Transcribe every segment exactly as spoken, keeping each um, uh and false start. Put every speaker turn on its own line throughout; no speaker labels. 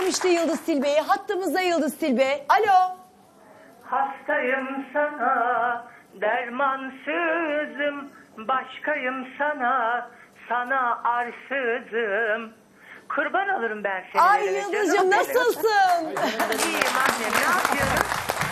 işte Yıldız Tilbe'yi. Hattımızda Yıldız Tilbe. Alo.
Hastayım sana, dermansızım, başkayım sana, sana arsızım. Kurban olurum ben seni.
Ay Yıldız'cığım nasılsın?
İyiyim annem, ne yapıyorsun?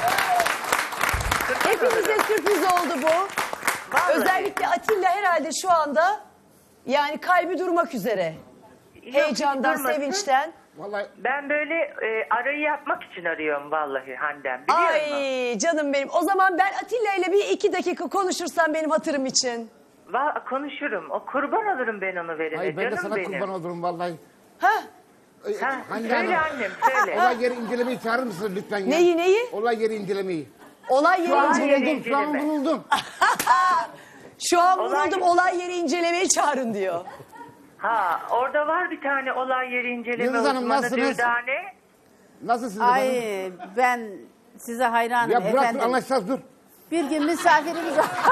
Hepimize sürpriz oldu bu.
Vallahi.
Özellikle Atilla herhalde şu anda yani kalbi durmak üzere.
Yok,
Heyecandan,
hiç durmasın.
sevinçten.
Vallahi
Ben böyle e, arayı yapmak için arıyorum vallahi Handem, biliyor musun?
Ay canım benim. O zaman ben Atilla ile bir iki dakika konuşursam benim hatırım için.
Va konuşurum, o kurban olurum ben onu verene,
ay ben de
canım
sana
benim.
kurban olurum vallahi.
Ha?
Ay,
Ha,
Hande
söyle
Hanım,
annem, söyle.
olay yeri incelemeyi çağırır mısınız lütfen ya?
Neyi neyi?
Olay yeri incelemeyi.
Olay
Şu an
yeri inceleme.
vuruldum, şu an
inceleme.
vuruldum.
Şu an
Olay-
vuruldum olay yeri incelemeyi çağırın diyor.
Ha, orada var bir tane olay yeri inceleme
Yıldız Hanım,
uzmanı
nasılsınız?
Dürdane.
Nasılsınız efendim?
Ay ben size hayranım
Ya bırak dur,
efendim.
anlaşacağız dur.
Bir gün misafirimiz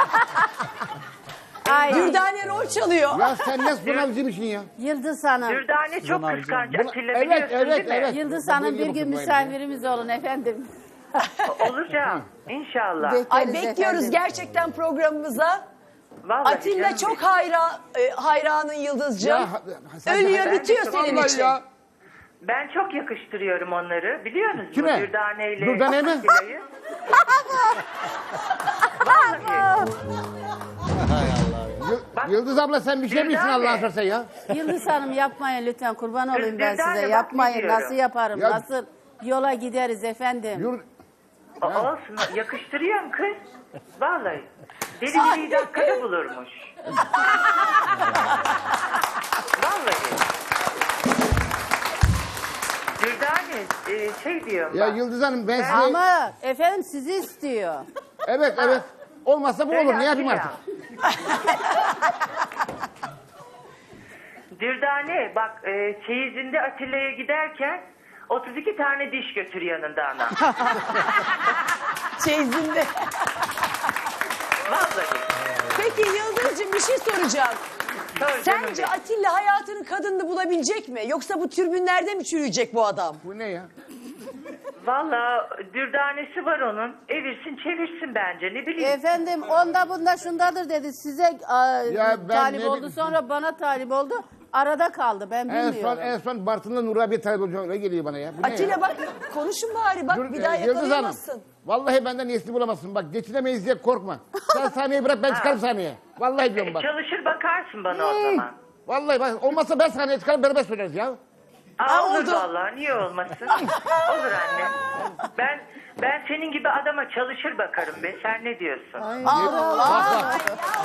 Ay
Dürdane rol çalıyor.
Ya sen ne sınavcıymışsın ya?
Yıldız Hanım.
Dürdane çok kıskanç.
Buna-
Atilla
evet,
biliyorsun
evet,
değil mi?
evet.
Yıldız
Ben
Hanım
böyle
bir gün
yapıyorum böyle.
misafirimiz olun efendim.
Olacağım inşallah.
Ay
Bekleriz
bekliyoruz
efendim.
gerçekten programımıza.
Vallahi
Atilla
canım
çok
benim.
hayra, e, hayranın Yıldız'cığım.
Ya, ha- sen-
Ölüyor
Ben
bitiyor
de-
senin
Vallahi
için.
ya.
Ben çok yakıştırıyorum onları, biliyor musunuz?
Kime?
Dürdane ile
Dürdane mi?
Atilla'yı. Vallahi.
Y- Yıldız abla sen bir şey
Dürdane.
misin Allah'ın sorsa ya?
Yıldız Hanım yapmayın lütfen kurban olayım ben
Dürdane
size.
bak
Yapmayın
biliyorum.
nasıl yaparım
Ya-
nasıl yola gideriz efendim.
Yur
O- Olsun, yakıştırıyorum kız. Vallahi. Deli bir dakikada bulurmuş. Vallahi. Dürdane e, şey diyorum
ya
bak.
Yıldız Hanım ben size...
Ama efendim sizi istiyor.
Evet evet. Olmazsa bu
Söyle
olur. Ne yapayım
Atilla.
artık?
Dürdane bak e, çeyizinde Atilla'ya giderken otuz iki tane diş götür yanında ana.
Çeyizinde.
Vallahi.
Peki Yıldız'cığım bir şey soracağım.
Sor canım
Sence
benim.
Atilla hayatının kadınını bulabilecek mi? Yoksa bu türbünlerde mi çürüyecek bu adam?
Bu ne ya?
Valla dürdanesi var onun. Evirsin çevirsin bence, ne bileyim.
Efendim onda bunda şundadır dedi size a,
Ya ben
talip
ne
oldu
bileyim.
sonra bana talip oldu. Arada kaldı ben
En son
bilmiyorum.
en son Bartın'da Nur abi talep olacak öyle geliyor bana ya. Bu ne ya?
Atilla bak konuşun bari bak
Dur,
bir daha
e, Yıldız Hanım.
yakalayamazsın.
Vallahi benden iyisini bulamazsın. Bak geçinemeyiz diye korkma. Sen sahneyi bırak ben çıkarım sahneye. Vallahi diyorum bak.
Çalışır bakarsın bana o
Hmm.
zaman.
Vallahi bak olmazsa ben sahneye çıkarım beraber söyleriz ya.
Aa, olur
oldu.
vallahi, niye olmasın? Olur anne. Ben ben senin gibi adama çalışır bakarım be. Sen ne diyorsun? Vallahi.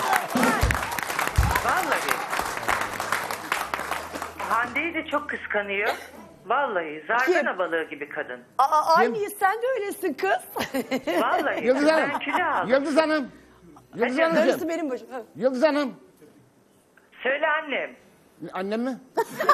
Hande'yi de çok kıskanıyor. Vallahi zargana balığı gibi kadın.
Aa, aynıyız sen de öylesin kız.
Vallahi
Yıldız Hanım.
ben kilo aldım.
Yıldız Hanım. Yıldız
Hadi.
Darısı
Hanım.
benim başım. Ha.
Yıldız Hanım.
Söyle annem.
Annem mi?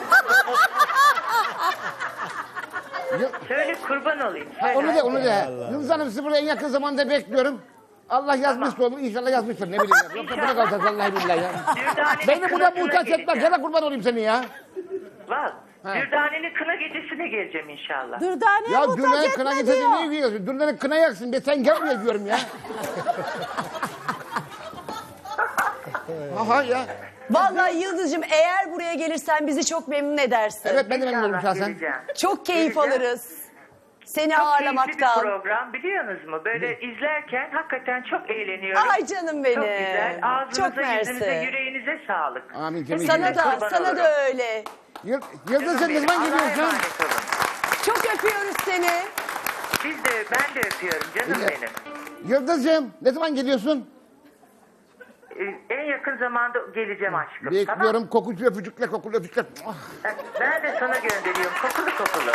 Yı-
Söyle kurban olayım.
Ha,
Söyle.
onu de onu de. Yıldız Hanım sizi burada en yakın zamanda bekliyorum. Allah yazmışsa olur. İnşallah yazmıştır. Ne bileyim ya. Yoksa burada kalacağız vallahi billahi ya.
Dürdane'nin
Beni burada
kınasına
muhtaç etme.
geleceğim.
Gene kurban olayım seni ya.
Valla.
Ha.
Dürdane'nin kına gecesine geleceğim inşallah.
Dürdane'ye
Ya
muhtaç
Dürdan'ın
etme
kına
diyor.
getirdin niye giyiyorsun? Dürdan'ın kına yaksın be sen gel buraya diyorum ya. Aha ya.
Vallahi Yıldız'cığım eğer buraya gelirsen bizi çok memnun edersin.
Evet ben de memnun olurum
İnşallah
şahsen.
geleceğim.
Çok keyif
Geleceğim.
alırız. Seni
Çok keyifli bir
ağırlamaktan.
program, biliyorsunuz mu? Böyle izlerken hakikaten çok eğleniyorum.
Ay canım benim.
Çok güzel. Ağzınıza,
Çok
yüzünüze,
mersi.
yüreğinize sağlık.
Amin Cemil.
Sana da,
Kurban
sana
olurum.
da öyle.
Yıl- Yıldız sen ne
Benim,
zaman
Allah'a
geliyorsun?
emanet olun.
Çok öpüyoruz seni.
Siz de, ben de öpüyorum canım
Evet.
benim.
Yıldız'cığım ne zaman geliyorsun?
Ee, En yakın zamanda geleceğim aşkım.
Bekliyorum kokucu öpücükle kokulu öpücükle. Ah,
Tamam. Ben de sana gönderiyorum. Kokulu kokulu.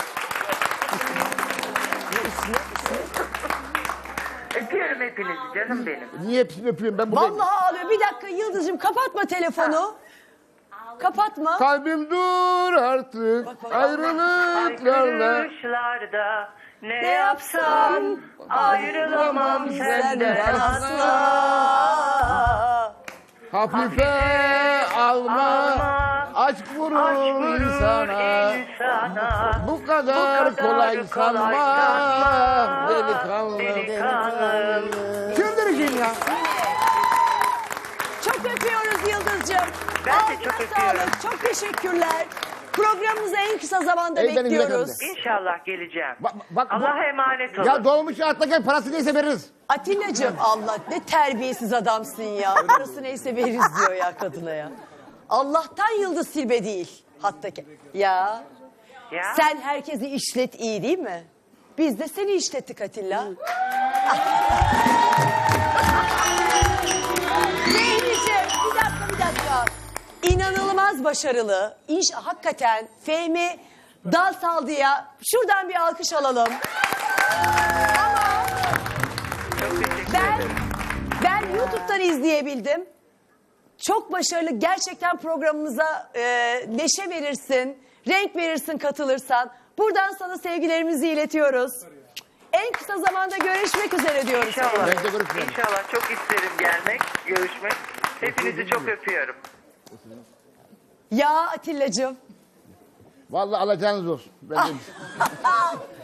Öpüyorum hepinizi canım benim.
Niye hepsini öpüyorum ben buradayım.
Vallahi ağlıyor. Bir dakika Yıldız'cığım kapatma telefonu. Kapatma.
Kalbim dur artık ayrılıklarla.
Ayrılışlarda ne
Ne
yapsam
yapsam
ayrılamam senden asla.
Hafife alma
Alma
Aşk vurur,
Aşk vurur
insana.
insana.
Bu kadar,
Bu kadar
kolay
kolay
sanma.
sanma.
Delikanlı.
Delikanlı.
Çıldırıcıyım ya.
Çok öpüyoruz Yıldız'cığım.
Ben de
Ağzına
çok öpüyorum.
sağlık, çok teşekkürler. Programımızı en kısa zamanda
Ey benim
bekliyoruz.
yakınım.
İnşallah geleceğim.
Bak, bak, bu-
Allah'a emanet olun.
Ya dolmuş atla gel, parası neyse veririz.
Atilla'cığım Allah ne terbiyesiz adamsın ya. Parası neyse veririz diyor ya kadına ya. Allah'tan Yıldız Silbe değil. Hattaki. Ya
Ya.
sen herkesi işlet iyi değil mi? Biz de seni işlettik Atilla. Zeyniciğim bir dakika bir dakika. İnanılmaz başarılı. İş hakikaten Fehmi dal saldıya şuradan bir alkış alalım. Ama
Çok teşekkür
ben
ederim.
ben YouTube'dan izleyebildim. Çok başarılı. Gerçekten programımıza e, neşe verirsin, renk verirsin katılırsan. Buradan sana sevgilerimizi iletiyoruz. En kısa zamanda görüşmek üzere diyoruz.
İnşallah.
Ben de görüşmeyelim.
İnşallah çok isterim gelmek, görüşmek. Hepinizi çok öpüyorum.
Ya Atilla'cığım.
Vallahi alacağınız olsun. Ben de-